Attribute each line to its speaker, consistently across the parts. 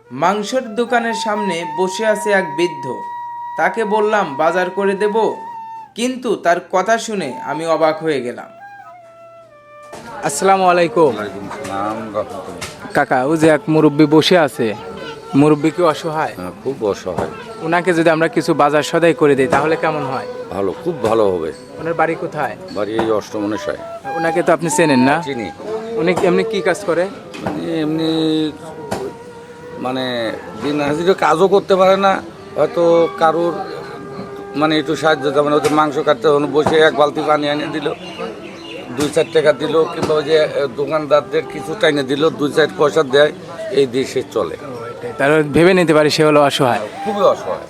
Speaker 1: মাংসের দোকানের সামনে বসে আছে এক বৃদ্ধ। তাকে বললাম বাজার করে দেব, কিন্তু তার কথা শুনে আমি অবাক হয়ে গেলাম। আসসালামু আলাইকুম।
Speaker 2: ওয়ালাইকুম সালাম রাহমাতুল্লাহ।
Speaker 1: কাকা, ও যে এক মুরব্বী বসে আছে, মুরব্বী কি অসহায়?
Speaker 2: খুব অসহায়।
Speaker 1: ওনাকে যদি আমরা কিছু বাজার সদাই করে দিই তাহলে কেমন হয়?
Speaker 2: ভালো, খুব ভালো হবে।
Speaker 1: ওনার বাড়ি কোথায়?
Speaker 2: বাড়ি এই অষ্টমনেশায়।
Speaker 1: ওনাকে তো আপনি চেনেন না?
Speaker 2: চিনি।
Speaker 1: উনি এমনি কি কাজ করে?
Speaker 2: মানে এমনি মানে দিন হাজিরা কাজও করতে পারে না, হয়তো কারোর মানে একটু সাহায্য, যেমন হয়তো মাংস কাটতে হলো, বসে এক বালতি পানি এনে দিল, 2-4 টাকা দিল, কিংবা ওই যে দোকানদারদের কিছু টাইনে দিল, 2-4 পয়সা দেয়, এই দিয়ে সে চলে।
Speaker 1: তার ভেবে নিতে পারি সে হলো অসহায়।
Speaker 2: খুবই অসহায়।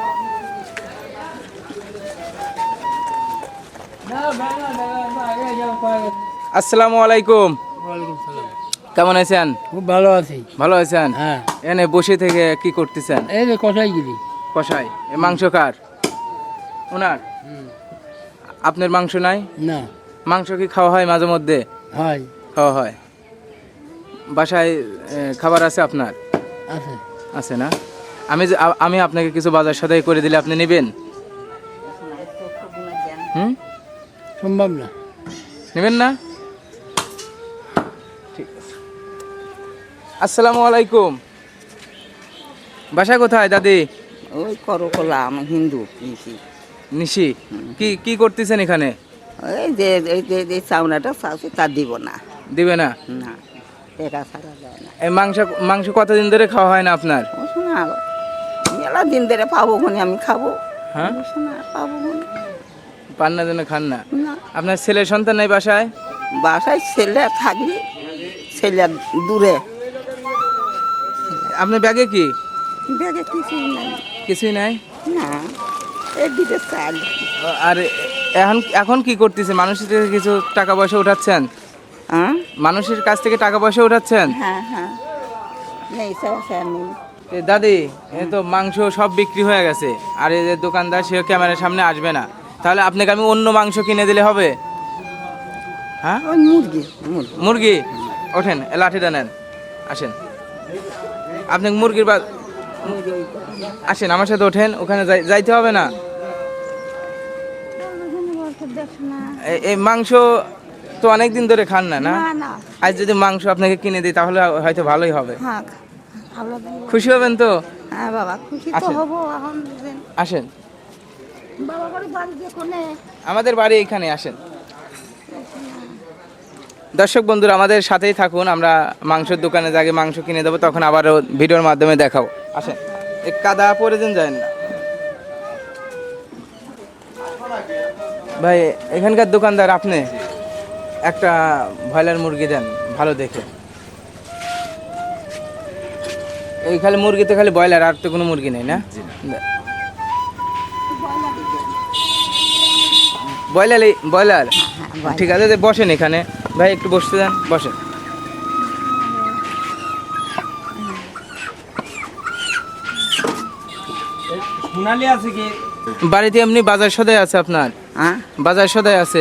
Speaker 1: আসসালামু আলাইকুম। কেমন আছেন?
Speaker 3: খুব ভালো আছি।
Speaker 1: ভালো আছেন?
Speaker 3: হ্যাঁ,
Speaker 1: এনে বসে থেকে কি করতেছেন?
Speaker 3: এই যে কষাইগিরি।
Speaker 1: কষাই, এ মাংস কার? ওনার? আপনার মাংস নাই?
Speaker 3: না,
Speaker 1: মাংস কি খাওয়া হয় মাঝে মধ্যে?
Speaker 3: হয়,
Speaker 1: খাওয়া হয়। বাসায় খাবার আছে আপনার?
Speaker 3: আছে।
Speaker 1: আছে না? আমি আপনাকে কিছু বাজার সদাই করে দিলে আপনি নেবেন? হুম,
Speaker 3: সম্ভব না।
Speaker 1: নেবেন না? ঠিক আছে। আসসালামু আলাইকুম। বাসা কোথায় দাদি?
Speaker 4: ওই করকলা, আমি হিন্দু নিশি।
Speaker 1: নিশি, কি কি করতেছেন এখানে?
Speaker 4: এই যে চাউনাটা চাউছে তা দিব না,
Speaker 1: দিবে না?
Speaker 4: না টেকা ছাড়া যায় না।
Speaker 1: এই মাংস কতদিন ধরে খাওয়া হয় না আপনার?
Speaker 4: ও শোনা, মেলা দিন ধরে পাবো কোনে আমি খাবো।
Speaker 1: হ্যাঁ,
Speaker 4: ও শোনা, পাবো কোনে?
Speaker 1: পান্নার জন্য খান না?
Speaker 4: না,
Speaker 1: আপনার ছেলে সন্তান নাই বাসায়?
Speaker 4: বাসায় ছেলে থাকবি, ছেলে দূরে,
Speaker 1: আপনার ব্যাগে কি
Speaker 4: ব্যাগে কিছুই নাই।
Speaker 1: কিছুই নাই?
Speaker 4: না, এই দিকে চাল।
Speaker 1: আর এখন এখন কি করতেছে? মানুষের থেকে কিছু টাকা পয়সা উঠাচ্ছেন?
Speaker 4: হ্যাঁ
Speaker 1: মানুষের কাছ থেকে টাকা পয়সা উঠাচ্ছেন?
Speaker 4: হ্যাঁ হ্যাঁ, নেই স্যার নেই।
Speaker 1: এ দাদি, এ তো মাংস সব বিক্রি হয়ে গেছে, আর এই যে দোকানদার সে ক্যামেরার সামনে আসবে না, তাহলে আপনাকে আমি অন্য মাংস কিনে দিলে হবে? হ্যাঁ,
Speaker 4: ওই মুরগি মুরগি।
Speaker 1: মুরগি। ওঠেন, এ লাঠিটা নেন, আসেন। আপনি মুরগির আসেন আমার সাথে, ওঠেন, ওখানে যাইতে হবে না। এই মাংস তো অনেক দিন ধরে খান না, না?
Speaker 4: না না,
Speaker 1: আজ যদি মাংস আপনাকে কিনে দিই তাহলে হয়তো ভালোই হবে।
Speaker 4: হ্যাঁ ভালো দিন।
Speaker 1: খুশি হবেন তো?
Speaker 4: হ্যাঁ বাবা, খুশি তো
Speaker 1: আসেন।
Speaker 4: হবো এখন।
Speaker 1: আসেন,
Speaker 4: বাবা বাড়ি বাড়ি দিয়ে কোনে?
Speaker 1: আমাদের বাড়ি এইখানে, আসেন। দর্শক বন্ধুরা, আমাদের সাথেই থাকুন, আমরা মাংসের দোকানে আগে মাংস কিনে দেবো, তখন আবারও ভিডিওর মাধ্যমে দেখাবো। আসেন, এই কাদা পরে দিন, যায় না ভাই। এখানকার দোকানদার আপনি, একটা ব্রয়লার মুরগি দেন ভালো দেখে। এই খালি মুরগিতে খালি ব্রয়লার, আর তো কোনো মুরগি নেই না? ব্রয়লার। ঠিক আছে, বসেন এখানে ভাই, একটু বসতে দেন, বসেন। বাড়িতে এমনি বাজার সদাই আছে আপনার?
Speaker 4: হ্যাঁ
Speaker 1: বাজার সদাই আছে?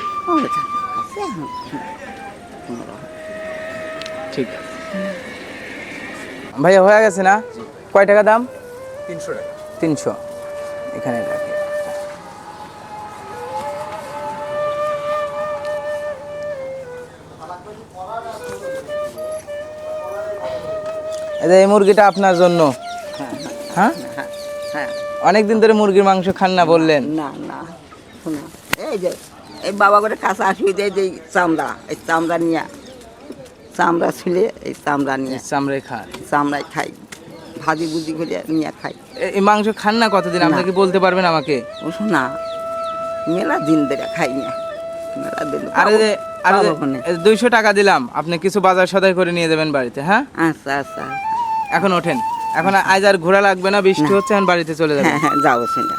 Speaker 1: ঠিক আছে ভাইয়া, হয়ে গেছে না? কয় টাকা দাম? 300 টাকা। 300, এখানে রাখে। এই মুরগিটা আপনার জন্য। হ্যাঁ,
Speaker 4: হ্যাঁ।
Speaker 1: অনেক দিন ধরে মুরগির মাংস খান না বললেন।
Speaker 4: না না, শোনো, এই যে এই বাবা করে কাছে আসবি, যে চামড়া, এই চামড়া নিয়ে, চামড়া ছুলে এই চামড়া নিয়ে,
Speaker 1: চামড়াই খান?
Speaker 4: চামড়াই খাই, ভাজি ভুজি করে নিয়ে খাই।
Speaker 1: এই মাংস খান না কতদিন, আপনি কি বলতে পারবেন আমাকে?
Speaker 4: ও শোনা, মেলা দিন ধরে খাই না, মেলা দিন।
Speaker 1: আর 200 টাকা দিলাম, আপনি কিছু বাজার সদাই করে নিয়ে যাবেন বাড়িতে। হ্যাঁ,
Speaker 4: আচ্ছা আচ্ছা।
Speaker 1: এখন ওঠেন, এখন আজ আর ঘোরা লাগবে না, বৃষ্টি হচ্ছে, এখন বাড়িতে চলে যাবেন।
Speaker 4: হ্যাঁ হ্যাঁ, যাও সেটা।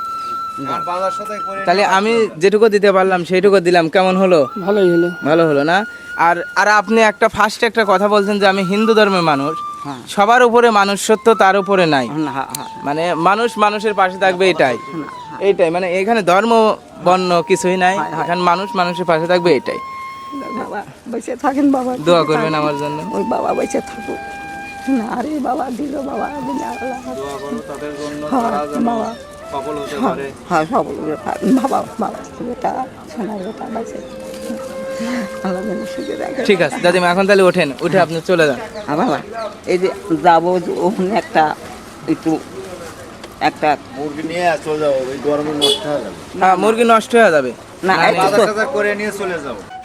Speaker 1: তাহলে আমি যেটুকু দিতে পারলাম সেইটুকু দিলাম, কেমন হলো?
Speaker 3: ভালোই হলো।
Speaker 1: ভালো হলো না? আর আর আপনি ফার্স্টে একটা কথা বলছেন যে আমি হিন্দু ধর্মের মানুষ,
Speaker 4: হ্যাঁ।
Speaker 1: সবার উপরে মানুষ সত্য, তার উপরে নাই।
Speaker 4: হ্যাঁ হ্যাঁ,
Speaker 1: মানে মানুষ মানুষের পাশে থাকবে, এটাই
Speaker 4: হ্যাঁ।
Speaker 1: এইটাই, মানে এখানে ধর্ম বর্ণ কিছুই নাই,
Speaker 4: হয়, হয়।
Speaker 1: এখানে মানুষ মানুষের পাশে থাকবে, এটাই।
Speaker 4: বাবা বেঁচে থাকেন, বাবা
Speaker 1: দোয়া করবেন আমার জন্য।
Speaker 4: ওই বাবা বেঁচে থাকুক। না রে বাবা দিল বাবা দিলে আল্লাহ
Speaker 1: দোয়া করো তাদের জন্য,
Speaker 4: হ্যাঁ,
Speaker 1: তারা যেন
Speaker 4: বাবা।
Speaker 1: সফল হতে
Speaker 4: হ্যাঁ,
Speaker 1: পারে।
Speaker 4: হ্যাঁ সবল বাবা বাবা বেটা সোনার বেটা বাঁচে আল্লাহ যেন সুখে রাখে।
Speaker 1: ঠিক আছে দাদিমা, এখন তাহলে ওঠেন, উঠে আপনি চলে যান।
Speaker 4: আর বাবা এই যে যাবো যে ওখানে একটা একটু একটা
Speaker 5: মুরগি নিয়ে চলে যাও, ওই গরমে নষ্ট হয়ে যাবে।
Speaker 1: হ্যাঁ মুরগি নষ্ট হয়ে যাবে।
Speaker 4: না
Speaker 1: না,
Speaker 4: একটু
Speaker 5: বাজার
Speaker 4: তো-
Speaker 5: টাজার করে নিয়ে চলে যাও।